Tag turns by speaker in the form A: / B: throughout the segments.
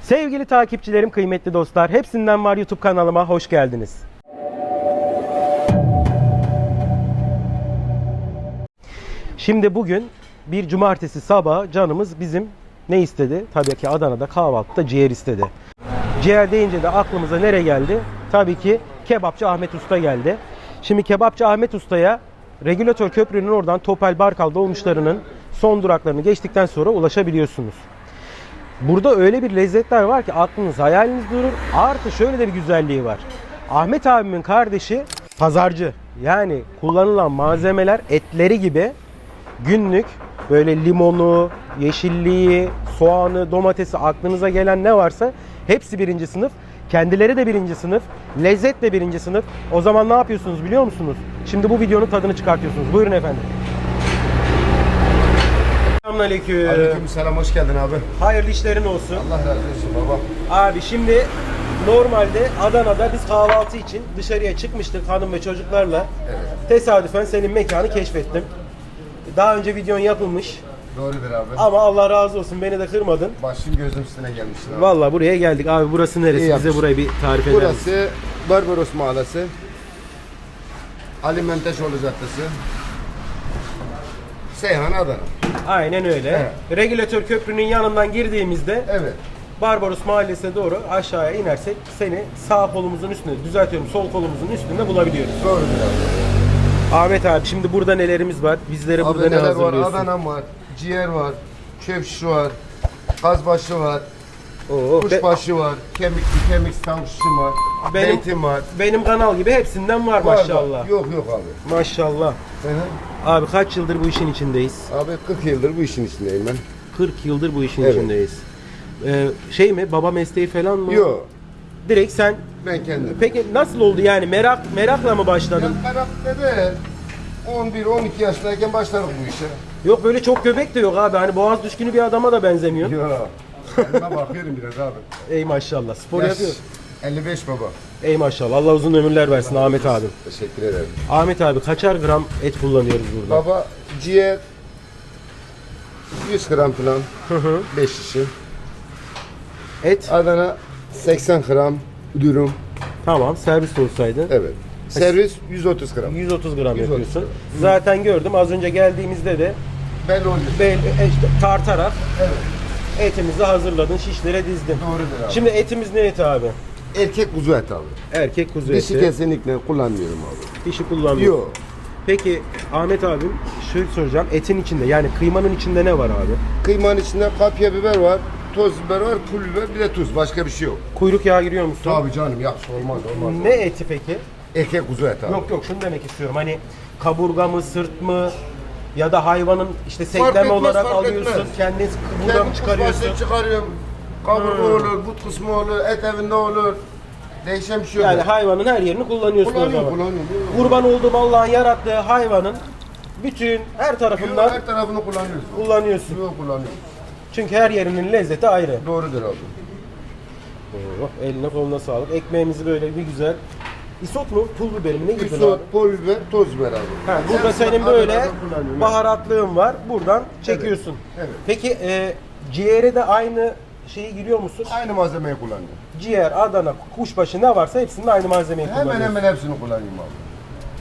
A: Sevgili takipçilerim, kıymetli dostlar, Hepsinden Var YouTube kanalıma hoş geldiniz. Şimdi bugün bir cumartesi sabahı canımız bizim ne istedi? Tabii ki Adana'da kahvaltıda ciğer istedi. Ciğer deyince de aklımıza nereye geldi? Tabii ki Kebapçı Ahmet Usta geldi. Şimdi Kebapçı Ahmet Usta'ya Regülatör Köprü'nün oradan Topel Barkal dolmuşlarının son duraklarını geçtikten sonra ulaşabiliyorsunuz. Burada öyle bir lezzetler var ki aklınız hayaliniz durur. Artı şöyle de bir güzelliği var. Ahmet abimin kardeşi pazarcı. Yani kullanılan malzemeler etleri gibi günlük böyle limonu, yeşilliği, soğanı, domatesi, aklınıza gelen ne varsa hepsi birinci sınıf. Kendileri de birinci sınıf. Lezzet de birinci sınıf. O zaman ne yapıyorsunuz biliyor musunuz? Şimdi bu videonun tadını çıkartıyorsunuz. Buyurun efendim. Selamünaleyküm.
B: Aleykümselam, hoş geldin abi.
A: Hayırlı işlerin olsun.
B: Allah razı olsun baba.
A: Abi şimdi normalde Adana'da biz kahvaltı için dışarıya çıkmıştık hanım ve çocuklarla.
B: Evet.
A: Tesadüfen senin mekanı keşfettim. Daha önce videon yapılmış
B: Doğrudur abi.
A: ama Allah razı olsun beni de kırmadın.
B: Başım gözüm üstüne gelmişsin abi.
A: Vallahi buraya geldik. Abi burası neresi?
B: İyi
A: Bize
B: yapmışsın.
A: burayı bir tarif eder misin?
B: Burası Barbaros Mahallesi. Ali Menteşoğlu Caddesi. Seyhan, Adana.
A: Aynen öyle.
B: Evet.
A: Regülatör köprünün yanından girdiğimizde
B: Evet.
A: Barbaros Mahallesi'ne doğru aşağıya inersek seni sağ kolumuzun üstünde, düzeltiyorum sol kolumuzun üstünde bulabiliyoruz.
B: Doğrudur abi.
A: Ahmet abi şimdi burada nelerimiz var? Bizlere
B: Abi
A: burada ne
B: neler var?
A: hazırlıyorsun?
B: Adana var, ciğer var, çöpşi var, kazbaşı var,
A: Oo,
B: kuşbaşı var, kemik tavuk şişi var,
A: Benim-
B: zeytin var.
A: benim kanal gibi hepsinden var
B: Var,
A: maşallah.
B: var. Yok abi.
A: Maşallah.
B: Hı hı.
A: Abi kaç yıldır bu işin içindeyiz?
B: Abi 40 yıldır bu işin içindeyim ben.
A: 40 yıldır bu işin
B: Evet.
A: içindeyiz. Şey mi? Baba mesleği falan mı?
B: Yok.
A: Direkt sen.
B: Ben kendim.
A: Peki nasıl oldu yani? Merakla mı başladın?
B: Ben karakter de 11-12 yaşındayken başladık bu işe.
A: Yok böyle çok göbek de yok abi. Hani boğaz düşkünü bir adama da benzemiyor.
B: Yok. Kendime bakıyorum biraz abi.
A: Ey maşallah. Spor
B: Yaş
A: yapıyor.
B: 55 baba.
A: Ey maşallah. Allah uzun ömürler versin Ahmet abi.
B: Teşekkür ederim.
A: Ahmet abi kaçar gram et kullanıyoruz burada?
B: Baba ciğer 100 gram falan. 5 şişi.
A: Et
B: Adana 80 gram dürüm.
A: tamam servis olsaydı.
B: Evet. Servis 130 gram.
A: 130 gram
B: 130
A: yapıyorsun.
B: gram.
A: Zaten gördüm az önce geldiğimizde de
B: Belli oluyor.
A: işte tartarak
B: Evet.
A: etimizi hazırladın, şişlere dizdin.
B: Doğrudur abi.
A: Şimdi etimiz ne eti abi?
B: Erkek kuzu et abi.
A: Erkek kuzu
B: Dişi
A: eti.
B: kesinlikle kullanmıyorum abi.
A: Dişi kullanmıyor.
B: Yok.
A: Peki Ahmet abim şöyle soracağım. Etin içinde yani kıymanın içinde ne var abi?
B: Kıymanın içinde kapya biber var, toz biber var, pul biber, bir de tuz. Başka bir şey yok.
A: Kuyruk yağı giriyor musun?
B: Tabii canım, yakış olmaz.
A: Ne eti peki?
B: Erkek kuzu et abi.
A: Yok şunu demek istiyorum. Hani kaburga mı, sırt mı ya da hayvanın işte
B: Fark
A: sekleme
B: etmez,
A: olarak
B: fark
A: alıyorsun.
B: etmez.
A: Kendin buradan mı çıkarıyorsun?
B: Kuşbaşı çıkarıyorum. Kaburga olur, but kısmı olur, et evinde olur. Değişen bir şey yok.
A: Yani hayvanın her yerini kullanıyorsun o zaman.
B: Kullanıyorum.
A: Kurban olduğum Allah'ın yarattığı hayvanın bütün her tarafından
B: Her tarafını kullanıyoruz.
A: kullanıyorsun.
B: Yok kullanıyoruz.
A: Çünkü her yerinin lezzeti ayrı.
B: Doğrudur abi.
A: Oh, eline koluna sağlık. Ekmeğimizi böyle bir güzel. Isot mu? Pul biberi mi? Ne girdin abi?
B: Isot, pul biber, toz biber abi.
A: Ha, burada
B: Hepsini
A: senin böyle
B: Adana'dan kullanıyorum.
A: baharatlığın var. Buradan çekiyorsun.
B: Evet.
A: Peki ciğere de aynı şeyi giriyor musun?
B: Aynı malzemeyi kullanıyorum.
A: Ciğer, Adana, kuşbaşı ne varsa hepsinin aynı malzemeyi
B: Hemen
A: kullanıyorsun.
B: hemen hepsini kullanıyorum abi.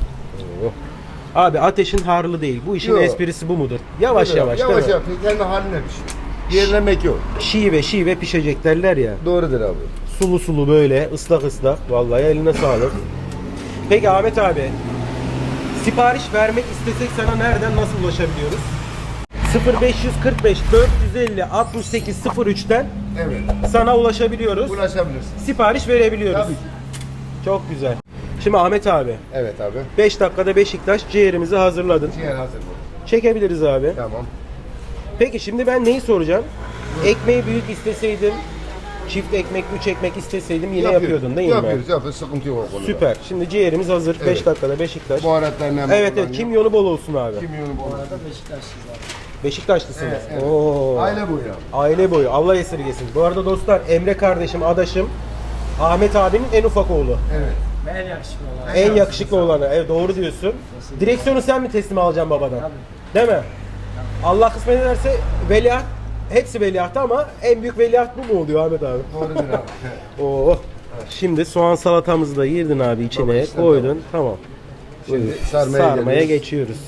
A: Abi ateşin harlı değil. Bu işin
B: Yok.
A: esprisi bu mudur? Yavaş yavaş,
B: Yavaş
A: değil mi?
B: yavaş. Kendi haline bir şey. Yerlemek yok.
A: Şive pişecek derler ya.
B: Doğrudur abi.
A: Sulu sulu böyle ıslak ıslak. Vallahi eline sağlık. Peki Ahmet abi, sipariş vermek istesek sana nereden nasıl ulaşabiliyoruz? 0545 450 68 03'ten
B: Evet.
A: sana ulaşabiliyoruz.
B: Ulaşabilirsin.
A: Sipariş verebiliyoruz.
B: Tabii ki.
A: Çok güzel. Şimdi Ahmet abi,
B: Evet abi.
A: 5 dakikada Beşiktaş ciğerimizi hazırladın.
B: Ciğer hazır bu.
A: Çekebiliriz abi.
B: Tamam.
A: Peki şimdi ben neyi soracağım? Ekmeği büyük isteseydim, çift ekmek, 3 ekmek isteseydim yine yapıyordun değil mi?
B: Yapıyoruz. Sıkıntı yok o konuda.
A: Süper. Şimdi ciğerimiz hazır. 5
B: Evet.
A: dakikada Beşiktaş.
B: Baharatlarını hemen
A: Evet
B: kullanıyorum.
A: kimyonu bol olsun abi.
B: Kimyonu bu arada.
A: Beşiktaşlısınız.
B: Evet, evet.
A: Oo.
B: Aile bu ya.
A: Aile boyu. Allah esirgesin. Bu arada dostlar Emre kardeşim, adaşım Ahmet abinin en ufak oğlu.
B: Evet.
A: En yakışıklı olanı. Evet doğru diyorsun. Direksiyonu sen mi teslim alacaksın babadan? Değil mi? Allah kısmet ederse veliaht hepsi veliahtı ama en büyük veliaht bu mu oluyor Ahmet abi?
B: Doğrudur abi.
A: Oo. Şimdi soğan salatamızı da girdin abi içine,
B: Baba işte
A: koydun. Tamam.
B: Şimdi
A: Sarmaya
B: geliyoruz.
A: geçiyoruz.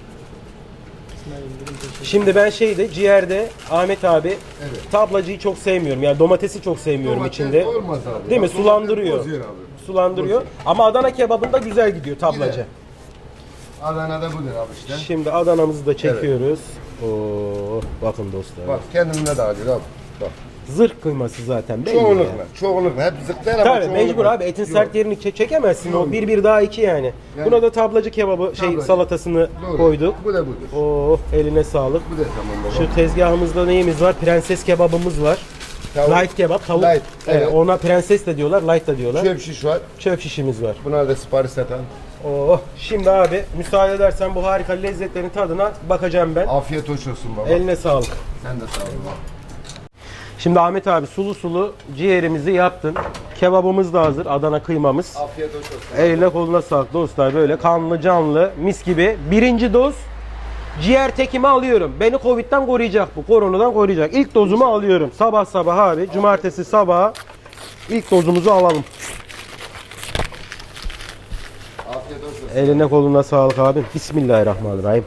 A: Şimdi ben ciğerde Ahmet abi
B: Evet.
A: tablacıyı çok sevmiyorum. Yani domatesi çok sevmiyorum
B: Domates
A: içinde.
B: olmaz abi.
A: Değil mi?
B: Domates
A: Sulandırıyor.
B: bozuyor abi.
A: Sulandırıyor. Ama Adana kebabında güzel gidiyor tablacı.
B: Gider. Adana'da budur abi işte.
A: Şimdi Adana'mızı da çekiyoruz. Oo, bakın dostlar.
B: Bak kendimde de alıyor abi. Bak.
A: Zırh kıyması zaten belli ya.
B: Çoğunlukla. Hep zıplar ama
A: Tabii
B: çoğunlukla.
A: mecbur abi etin
B: Yok.
A: sert yerini çekemezsin.
B: Yok.
A: O bir daha iki yani.
B: Yani-
A: Buna da tablacı kebabı
B: Tablacı.
A: salatasını
B: Doğru.
A: koyduk.
B: Bu da budur.
A: Oo, eline sağlık.
B: Bu da tamam baba.
A: Şu tezgahımızda neyimiz var? Prenses kebabımız var.
B: Tavuk.
A: Light kebap, tavuk.
B: Light,
A: Evet,
B: evet.
A: ona prenses de diyorlar, light da diyorlar.
B: Çöp şiş var.
A: Çöp şişimiz var.
B: Buna da sipariş satan.
A: Oh, şimdi abi müsaade edersen bu harika lezzetlerin tadına bakacağım ben.
B: Afiyet hoş olsun baba.
A: Eline sağlık.
B: Sen de sağ ol baba.
A: Şimdi Ahmet abi sulu sulu ciğerimizi yaptın. Kebabımız da hazır, Adana kıymamız.
B: Afiyet hoş olsun.
A: Eline koluna sağlık dostlar, böyle kanlı canlı mis gibi. Birinci doz ciğer tekimi alıyorum. Beni Covid'den koruyacak bu, koronadan koruyacak. İlk dozumu alıyorum. Sabah sabah abi, cumartesi sabahı ilk dozumuzu alalım.
B: Afiyet hoş olsun.
A: Eline koluna sağlık abim. Bismillahirrahmanirrahim.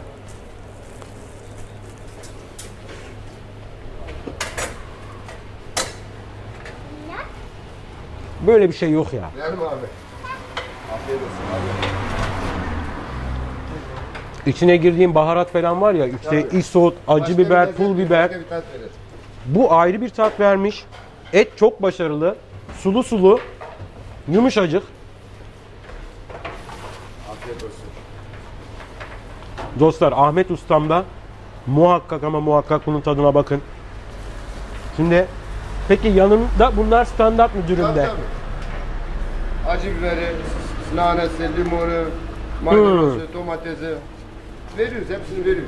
A: Böyle bir şey yok ya.
B: Verelim abi. Afiyet olsun abi.
A: İçine girdiğim baharat falan var ya, işte isot, acı
B: Başka
A: biber,
B: bir
A: pul
B: lezzet,
A: biber.
B: başka bir tat verir.
A: Bu ayrı bir tat vermiş. Et çok başarılı. Sulu sulu. Yumuşacık.
B: Afiyet olsun.
A: Dostlar Ahmet Ustam'da muhakkak ama muhakkak bunun tadına bakın. Şimdi peki yanında bunlar standart mı
B: Tabii
A: dürümde?
B: tabii. Acı biberi, nanesi, limonu, maydanozu, domatesi. Veriyoruz, hepsini veriyoruz.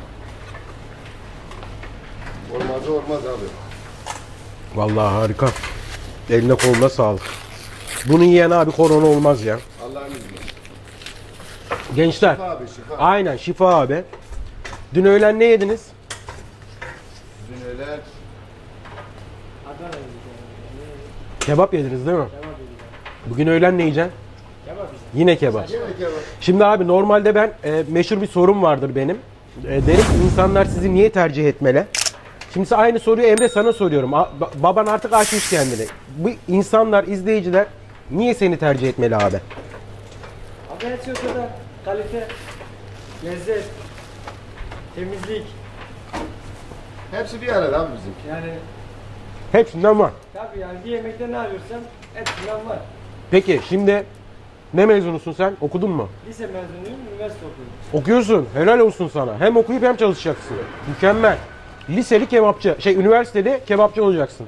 B: Olmaz abi.
A: Vallahi harika. Eline koluna sağlık. Bunu yiyen abi korona olmaz ya.
B: Allah'ın izniyle.
A: Gençler.
B: Şifa abi şifa.
A: Aynen şifa abi. Dün öğlen ne yediniz?
B: Dün öyle
A: Kebap yediniz değil mi? Bugün öğlen ne yiyeceksin? Yine kebap.
B: yemek yapalım.
A: Şimdi abi normalde ben meşhur bir sorum vardır benim. Derim ki insanlar sizi niye tercih etmeli? Şimdi aynı soruyu Emre sana soruyorum. Baban artık aşmış kendini. Bu insanlar, izleyiciler niye seni tercih etmeli abi?
C: Abi her şey o kadar. Kalite, lezzet, temizlik.
B: Hepsi bir arada abi bizim.
C: Yani
A: Hepsinden var.
C: tabii yani bir yemekte ne arıyorsan hepsinden var.
A: Peki şimdi ne mezunusun sen? Okudun mu?
C: Lise mezunuyum, üniversite okuyorum.
A: Okuyorsun. Helal olsun sana. Hem okuyup hem çalışacaksın. Mükemmel. Liseli kebapçı, üniversitede kebapçı olacaksın.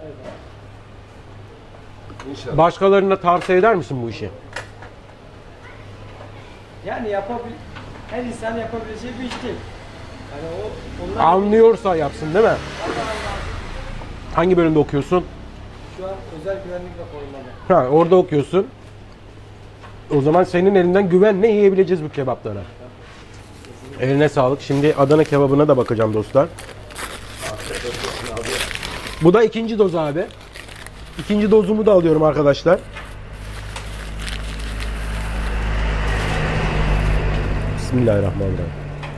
B: İnşallah.
A: Başkalarına tavsiye eder misin bu işi?
C: Yani her insan yapabileceği bir iş değil. Yani onlar
A: Anlıyorsa yapsın değil mi? Hangi bölümde okuyorsun?
C: şu an özel güvenlik raporunda.
A: Ha, orada okuyorsun. O zaman senin elinden güvenle yiyebileceğiz bu kebapları. Eline sağlık. Şimdi Adana kebabına da bakacağım dostlar. Bu da ikinci doz abi. İkinci dozumu da alıyorum arkadaşlar. Bismillahirrahmanirrahim.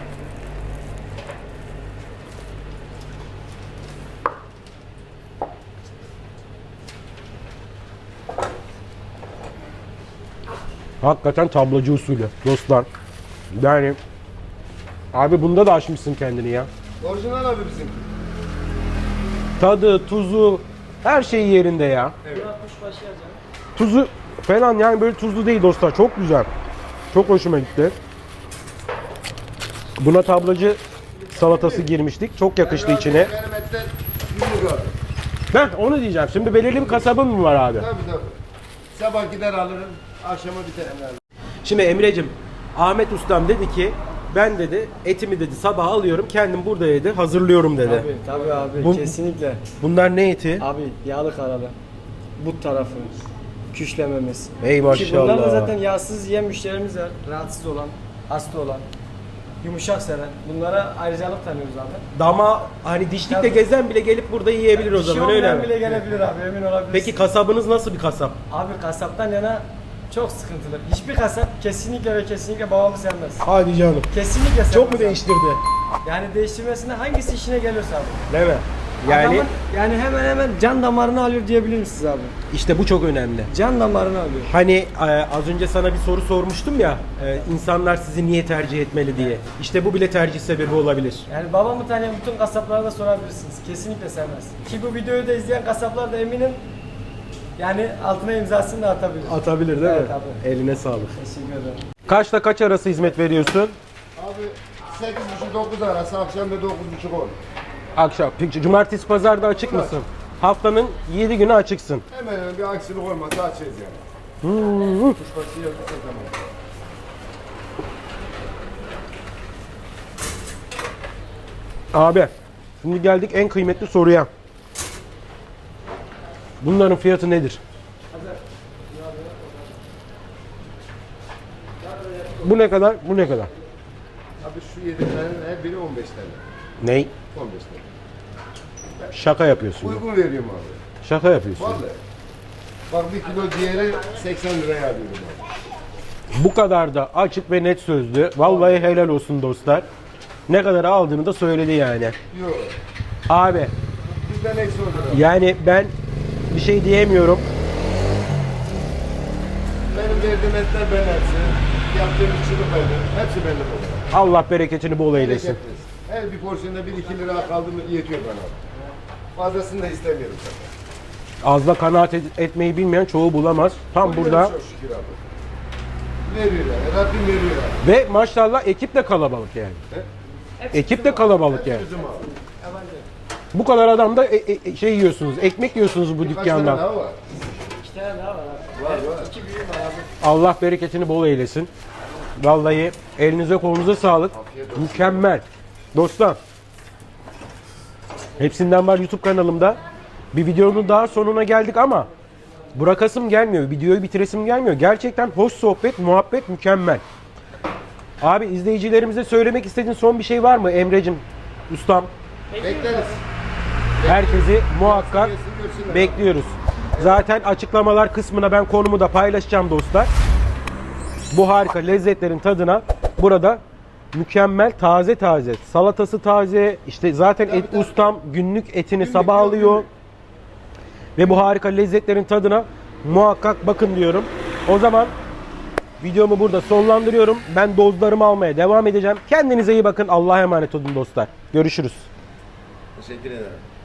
A: Hakikaten tablacı usulü dostlar. Yani abi bunda da aşmışsın kendini ya.
B: Orijinal abi bizim.
A: Tadı, tuzu, her şey yerinde ya.
C: Buna kuşbaşı yazacağım.
A: Tuzu falan yani böyle tuzlu değil dostlar. Çok güzel. Çok hoşuma gitti. Buna tablacı salatası girmiştik. Çok yakıştı içine.
B: Benim etten günlük abi.
A: Ben onu diyeceğim. Şimdi belirli bir kasabın mı var abi?
B: Tabii tabii. Sabah gider alırım, akşama biterim yani.
A: Şimdi Emre'cim, Ahmet Ustam dedi ki ben dedi etimi dedi sabah alıyorum kendim burada dedi hazırlıyorum dedi.
C: Tabii abi
A: Bu-
C: kesinlikle.
A: Bunlar ne eti?
C: Abi yağlı karalı. But tarafı. Küşlememiz.
A: Ey
C: Ki bunlar da
A: maşallah.
C: zaten yağsız yiyen müşterimiz var. Rahatsız olan, hasta olan. yumuşak seven. Bunlara ayrıcalık tanıyoruz abi.
A: Dama hani dişlikle
C: Tabii.
A: gezen bile gelip burada yiyebilir o
C: Dişi
A: zaman öyle
C: olmayan
A: mi?
C: bile gelebilir abi, emin olabilirsin.
A: Peki kasabınız nasıl bir kasap?
C: Abi kasaptan yana çok sıkıntılı. Hiçbir kasap kesinlikle ve kesinlikle babamı sevmez.
A: Hadi canım.
C: Kesinlikle sevmez.
A: Çok mu
C: abi.
A: değiştirdi?
C: Yani değiştirmesine hangisi işine geliyorsa abi.
A: Değil mi? Yani
C: Adamın, yani hemen hemen can damarını alıyor diyebilir misiniz abi?
A: işte bu çok önemli.
C: Can damarını alıyor.
A: Hani az önce sana bir soru sormuştum ya, insanlar sizi niye tercih etmeli diye. İşte bu bile tercih sebebi olabilir.
C: Yani babamı tanıyan bütün kasaplara da sorabilirsiniz. Kesinlikle sevmez. Ki bu videoyu da izleyen kasaplar da eminim yani altına imzasını da atabilir.
A: Atabilir değil
C: Evet
A: mi?
C: abi.
A: Eline sağlık.
C: Teşekkür ederim.
A: Kaçta kaç arası hizmet veriyorsun?
B: Abi 8.30-9 arası, akşam da 9.30 olur.
A: Akşam. Peki cumartesi pazarda açık mısın? Haftanın 7 günü açıksın.
B: Hemen hemen bir aksilik olmazsa açacağız yani. Kuşbaşı yapırsa tamam.
A: Abi, şimdi geldik en kıymetli soruya. Bunların fiyatı nedir? Bu ne kadar? Bu ne kadar?
B: Abi şu 7 tane her biri 15 tane.
A: Ney?
B: 15 tane.
A: Şaka yapıyorsun.
B: Uygun veriyorum abi.
A: Şaka yapıyorsun.
B: Vallahi. Bak bir kilo ciğeri 80 liraya alıyorum abi.
A: Bu kadar da açık ve net sözlü. Vallahi helal olsun dostlar. Ne kadar aldığını da söyledi yani.
B: Yok.
A: Abi,
B: Bizden eksi olur abi.
A: yani ben bir şey diyemiyorum.
B: Benim verdiğim etler ben hepsi. Yaptığım içini benim. Hepsi benim olur.
A: Allah bereketini bol eylesin.
B: Bereketliyiz. Her bir porsiyonda 1-2 lira kaldı mı yetiyor bana abi. Fazlasını da istemiyorum zaten.
A: Azla kanaat etmeyi bilmeyen çoğu bulamaz. Tam burada.
B: Çok şükür abi. Veriyorlar. Rabbim veriyor abi.
A: Ve maşallah ekip de kalabalık yani. Ekip de kalabalık yani.
B: Bizim abi.
A: Bu kadar adam da şey yiyorsunuz, ekmek yiyorsunuz bu
B: Kaç tane
A: dükkandan.
B: daha var?
C: 2 tane daha var abi.
B: Var var.
C: 2 büyüğüm var abi.
A: Allah bereketini bol eylesin. Vallahi elinize kolunuza sağlık.
B: Afiyet olsun.
A: Mükemmel. Dostlar. Hepsinden var YouTube kanalımda. Bir videonun daha sonuna geldik ama bırakasım gelmiyor. Videoyu bitiresim gelmiyor. Gerçekten hoş sohbet, muhabbet mükemmel. Abi izleyicilerimize söylemek istediğin son bir şey var mı Emre'cim, ustam?
B: Bekleriz.
A: Herkesi muhakkak
B: Gelsin, görsünler.
A: bekliyoruz. Zaten açıklamalar kısmına ben konumu da paylaşacağım dostlar. Bu harika lezzetlerin tadına burada mükemmel taze taze. Salatası taze. İşte zaten et
B: tabii.
A: ustam günlük etini
B: Günlük,
A: sabah
B: yok,
A: alıyor.
B: günlük.
A: Ve bu harika lezzetlerin tadına muhakkak bakın diyorum. O zaman videomu burada sonlandırıyorum. Ben dozlarımı almaya devam edeceğim. Kendinize iyi bakın. Allah'a emanet olun dostlar. Görüşürüz.
B: Teşekkür ederim.